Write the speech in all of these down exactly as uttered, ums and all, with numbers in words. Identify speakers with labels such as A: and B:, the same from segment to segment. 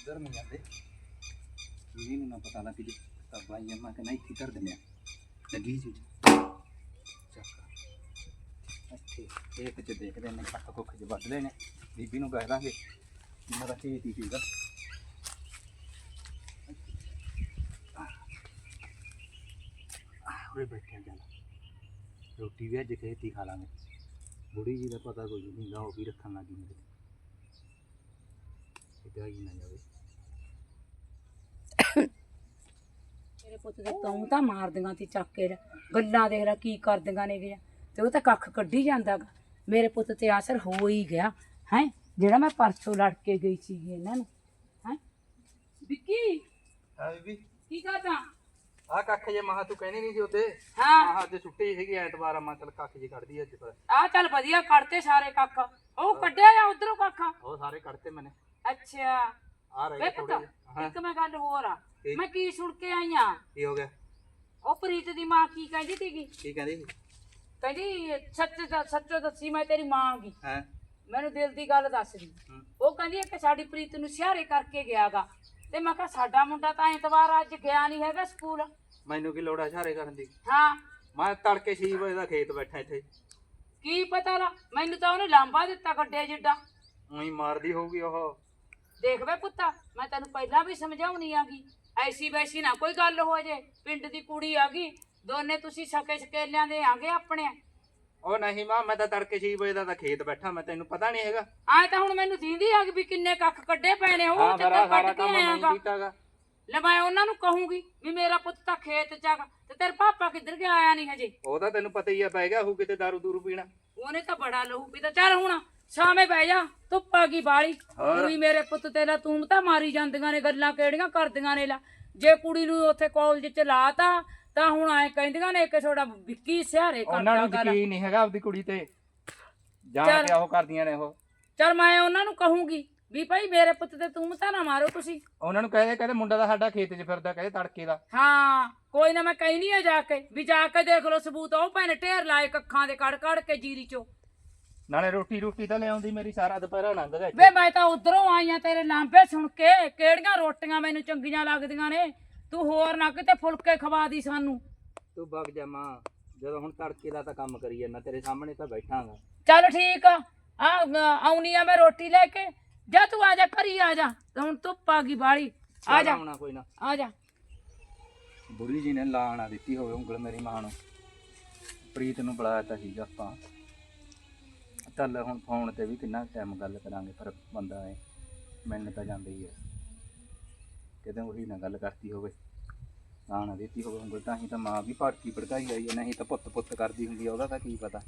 A: ਉਧਰ ਨਹੀਂ ਜਾਂਦੇ ਇਹਨੂੰ ਨਾ ਪਤਾ ਲੱਗ ਜੇ ਤਾਂ ਬਾਈ ਅੰਮਾ ਕਹਿੰਦਾ ਇੱਥੇ ਧਰ ਦਿੰਦੇ ਆ ਲੱਗੀ ਚੀਜ਼ ਚੱਕ ਇੱਥੇ ਇਹ ਤੇ ਦੇਖਦੇ ਨੇ ਕੱਖ ਕੁੱਖ ਚ ਵੱਢਦੇ ਨੇ ਬੀਬੀ ਨੂੰ ਕਹਿ ਦਾਂਗੇ ਇਹਨਾਂ ਦਾ ਖੇਤ ਹੀ ਸੀਗਾ ਉਰੇ ਬੈਠਿਆ ਚੱਲ ਰੋਟੀ ਵੀ ਅੱਜ ਖੇਤ ਹੀ ਖਾ ਲਾਂਗੇ ਬੁੜੀ ਜੀ ਦਾ ਪਤਾ ਕੋਈ ਨਹੀਂ ਗਾ ਉਹ ਵੀ ਰੱਖਣ ਲੱਗੀ ਮੇਰੇ ਇੱਦਾਂ ਹੀ ਨਾ ਜਾਵੇ
B: ਮੇਰੇ ਪੁੱਤ ਦੇ ਤੂੰ ਤਾਂ ਮਾਰਦੀਆਂ ਤੀ ਚੱਕ ਕੇ ਗੱਲਾਂ ਦੇਖ ਲੈ ਕੀ ਕਰਦੀਆਂ ਨੇ ਗਿਆ ਤੇ ਉਹ ਤਾਂ ਕੱਖ ਕੱਢੀ ਜਾਂਦਾ ਗਾ ਮੇਰੇ ਪੁੱਤ ਤੇ ਅਸਰ ਹੋ ਹੀ ਗਿਆ ਹੈ ਜਿਹੜਾ ਮੈਂ ਪਰਸੋਂ ਲੜ ਕੇ ਗਈ ਸੀ ਇਹਨਾਂ ਨੂੰ ਹੈ ਵਿੱਕੀ
A: ਹਾਂ ਬੀਬੀ
B: ਕੀ ਕਰਦਾ
A: ਆ ਕੱਖ ਜੇ ਮਹਾ ਤੂੰ ਕਹਿੰਦੀ ਨਹੀਂ ਸੀ ਉੱਤੇ
B: ਹਾਂ
A: ਮਹਾ ਅੱਜ ਛੁੱਟੀ ਸੀਗੀ ਐਤਵਾਰ ਆ ਮੈਂ ਚੱਲ ਕੱਖ ਜੀ ਕੱਢਦੀ ਅੱਜ ਪਰ
B: ਆ ਚੱਲ ਵਧੀਆ ਕੱਢਤੇ ਸਾਰੇ ਕੱਖ ਉਹ ਕੱਢਿਆ ਆ ਉਧਰੋਂ ਕੱਖ
A: ਉਹ ਸਾਰੇ ਕੱਢਤੇ ਮੈਨੇ
B: ਅੱਛਾ
A: ਆ ਰਹੇ
B: ਵੇ
A: ਥੋੜੇ
B: ਪੁੱਤ ਇੱਕ ਮੈਂ ਗੱਲ ਹੋਰ ਆ ਮੈਂ ਕੀ ਸੁਣ ਕੇ ਆਈ ਆ
A: ਕੀ ਹੋ ਗਿਆ
B: ਉਹ ਪ੍ਰੀਤ ਦੀ ਮਾਂ ਕੀ ਕਹਿੰਦੀ ਸੀਗੀ
A: ਕੀ ਕਹਿੰਦੀ ਸੀ
B: ਕਹਿੰਦੀ ਸੱਚ ਸੱਚੋ ਦੱਸੀ ਮੈਂ ਤੇਰੀ ਮਾਂ ਗੀ
A: ਹੈ
B: ਮੈਨੂੰ ਦਿਲ ਦੀ ਗੱਲ ਦੱਸ ਦੀ ਉਹ ਕਹਿੰਦੀ ਕਿ ਸਾਡੀ ਪ੍ਰੀਤ ਨੂੰ ਸਿਹਾਰੇ ਕਰਕੇ ਗਿਆਗਾ ਤੇ ਮੈਂ ਕਿਹਾ ਸਾਡਾ ਮੁੰਡਾ ਤਾਂ ਐਤਵਾਰ ਅੱਜ ਗਿਆ ਨਹੀਂ ਹੈਗਾ ਸਕੂਲ
A: ਮੈਨੂੰ ਕੀ ਲੋੜ ਆ ਇਸ਼ਾਰੇ ਕਰਨ ਦੀ
B: ਹਾਂ
A: ਮੈਂ ਤੜਕੇ ਛੇ ਵਜੇ ਦਾ ਖੇਤ ਬੈਠਾ ਇੱਥੇ
B: ਕੀ ਪਤਾ ਲਾ ਮੈਨੂੰ ਤਾਂ ਉਹਨੇ ਲਾਂਬਾ ਦਿੱਤਾ ਗੱਡੇ ਜਿੱਡਾ
A: ਉਹੀ ਮਾਰਦੀ ਹੋਊਗੀ ਉਹ
B: ਦੇਖ ਵੇ ਪੁੱਤਾ ਮੈਂ ਤੈਨੂੰ ਪਹਿਲਾਂ ਵੀ ਸਮਝਾਉਣੀ ਆਗੀ ਐਸੀ ਵੈਸੀ ਨਾ ਕੋਈ ਗੱਲ ਹੋ ਜੇ ਪਿੰਡ ਦੀ ਕੁੜੀ ਆਗੀ ਦੋਨੇ ਤੁਸੀਂ ਸਕੇ ਸਕੇਲਿਆਂ ਦੇ ਆਗੇ ਆਪਣੇ
A: ਉਹ ਨਹੀਂ ਮਾਂ ਮੈਂ ਤਾਂ ਤੜਕੇ ਛੇ ਵਜੇ ਦਾ ਤਾਂ ਖੇਤ ਬੈਠਾ ਮੈਂ ਤੈਨੂੰ ਪਤਾ ਨਹੀਂ ਹੈਗਾ
B: ਆਏ ਤਾਂ ਹੁਣ ਮੈਨੂੰ ਦੀਂਦੀ ਆ ਵੀ ਕਿੰਨੇ ਕੱਖ ਕੱਢੇ ਪਏ ਨੇ ਉਹ ਚੱਕਰ ਕੱਢ ਕੇ ਆਇਆਗਾ ਲੈ ਮੈਂ ਉਹਨਾਂ ਨੂੰ ਕਹੂੰਗੀ ਵੀ ਮੇਰਾ ਪੁੱਤ ਤਾਂ ਖੇਤ ਚ ਆਗਾ ਤੇ ਤੇਰੇ ਪਾਪਾ ਕਿੱਧਰ ਗਿਆ ਆਇਆ ਨਹੀਂ ਹਜੇ
A: ਉਹ ਤਾਂ ਤੈਨੂੰ ਪਤਾ ਹੀ ਆ ਪੈ ਗਿਆ ਉਹ ਕਿਤੇ ਦਾਰੂ ਦੂਰੂ ਪੀਣਾ
B: ਉਹਨੇ ਤਾਂ ਬੜਾ ਲਹੂ ਪੀਤਾ ਚੱਲ ਹੁਣ ਸ਼ਾਮੇ ਬਹਿ ਜਾ ਧੁੱਪ ਆ ਗਈ ਬਾਲੀ ਕੁੜੀ ਮੇਰੇ ਪੁੱਤ ਤੇ ਲਾ ਤੂੰ ਤਾਂ ਮਾਰੀ ਜਾਂਦੀਆਂ ਨੇ ਗੱਲਾਂ ਕਿਹੜੀਆਂ ਕਰਦੀਆਂ ਨੇ ਲਾ ਜੇ ਕੁੜੀ ਨੂੰ ਉੱਥੇ ਕਾਲਜ ਚ ਲਾਤਾ ਤਾਂ ਹੁਣ ਐ ਕਹਿੰਦੀਆਂ ਨੇ ਕਿ ਤੁਹਾਡਾ ਵਿੱਕੀ ਸਿਹਾਰੇ ਕਰਦਾ
A: ਉਹਨਾਂ ਨੂੰ ਯਕੀਨ ਨਹੀਂ ਹੈਗਾ ਆਪਦੀ ਕੁੜੀ ਤੇ ਜਾਣ ਕੇ ਉਹ ਕਰਦੀਆਂ ਨੇ ਉਹ
B: ਚੱਲ ਮੈਂ ਉਹਨਾਂ ਨੂੰ ਕਹੂੰਗੀ ਵੀ ਭਾਈ ਮੇਰੇ ਪੁੱਤ ਤੇ ਤੂੰ ਤਾਂ ਨਾ ਮਾਰੋ ਤੁਸੀਂ
A: ਉਹਨਾਂ ਨੂੰ ਕਹਦੇ ਕਹਿੰਦੇ ਮੁੰਡਾ ਤਾਂ ਸਾਡਾ ਖੇਤ 'ਚ ਫਿਰਦਾ ਕਹਿੰਦੇ ਤੜਕੇ ਦਾ
B: ਹਾਂ ਕੋਈ ਨਾ ਮੈਂ ਕਹਿਨੀ ਆ ਜਾ ਕੇ ਵੀ ਜਾ ਕੇ ਦੇਖ ਲਓ ਸਬੂਤ ਉਹ ਭੈਣੇ ਢੇਰ ਲਾਏ ਕੱਖਾਂ ਦੇ ਕੜ ਕੜ ਕੇ ਜੀਰੀ ਚੋਂ
A: ਨਾਲੇ ਰੋਟੀ ਰੋਟੀ ਤਾਂ ਲਿਆਉਂਦੀ ਮੇਰੀ ਸਾਰਾ ਦੁਪਹਿਰਾ ਲੰਘ ਗਿਆ
B: ਵੇ ਮੈਂ ਤਾਂ ਉਧਰੋਂ ਆਈ ਆ ਤੇਰੇ ਲਾਂਬੇ ਸੁਣ ਕੇ ਕਿਹੜੀਆਂ ਰੋਟੀਆਂ ਮੈਨੂੰ ਚੰਗੀਆਂ ਲੱਗਦੀਆਂ ਨੇ ਤੂੰ ਹੋਰ ਨਾ ਕਿਤੇ ਫੁਲਕੇ ਖਵਾ ਦੀ ਸਾਨੂੰ
A: ਤੂੰ ਵਗ ਜਾ ਮਾਂ ਜਦੋਂ ਹੁਣ ਤੜਕੇ ਦਾ ਤਾਂ ਕੰਮ ਕਰੀ ਜਾਂਦਾ ਤੇਰੇ ਸਾਹਮਣੇ ਤਾਂ ਬੈਠਾਂਗਾ
B: ਚੱਲ ਠੀਕ ਆ ਆਉਣੀ ਆ ਮੈਂ ਰੋਟੀ ਲੈ ਕੇ ਜਾ ਤੂੰ ਆ ਜਾ ਘਰੀ ਆ ਜਾ ਹੁਣ ਧੁੱਪ ਆ ਗਈ ਬਾਲੀ ਆ ਜਾ
A: ਕੋਈ ਨਾ
B: ਆ ਜਾ
A: ਬੁੜੀ ਜੀ ਨੇ ਲਾਣਾ ਦਿੱਤੀ ਹੋਵੇ ਉਂਗਲ ਮੇਰੀ ਮਾਂ ਨੂੰ ਪ੍ਰੀਤ ਨੂੰ ਬੁਲਾਇਆ ਤਾਂ ਸੀਗਾ ਆਪਾਂ ਚੱਲ ਹੁਣ ਫੋਨ ਤੇ ਵੀ ਕਿੰਨਾ ਟਾਈਮ ਗੱਲ ਕਰਾਂਗੇ ਪਰ ਬੰਦਾ ਹੈ ਮੈਨੂੰ ਤਾਂ ਜਾਂਦਾ ਹੀ ਹੈ ਕਿਤੇ ਉਹੀ ਨਾ ਗੱਲ ਕਰਤੀ ਹੋਵੇ ਨਾ ਨਾ ਦਿੱਤੀ ਹੋਵੇ ਉਂਗਲ ਤਾਂ ਹੀ ਤਾਂ ਮਾਂ ਵੀ ਭੜਕੀ ਭੜਕਾਈ ਆਈ ਹੈ ਨਹੀਂ ਤਾਂ ਪੁੱਤ ਪੁੱਤ ਕਰਦੀ ਹੁੰਦੀ ਉਹਦਾ ਤਾਂ ਕੀ ਪਤਾ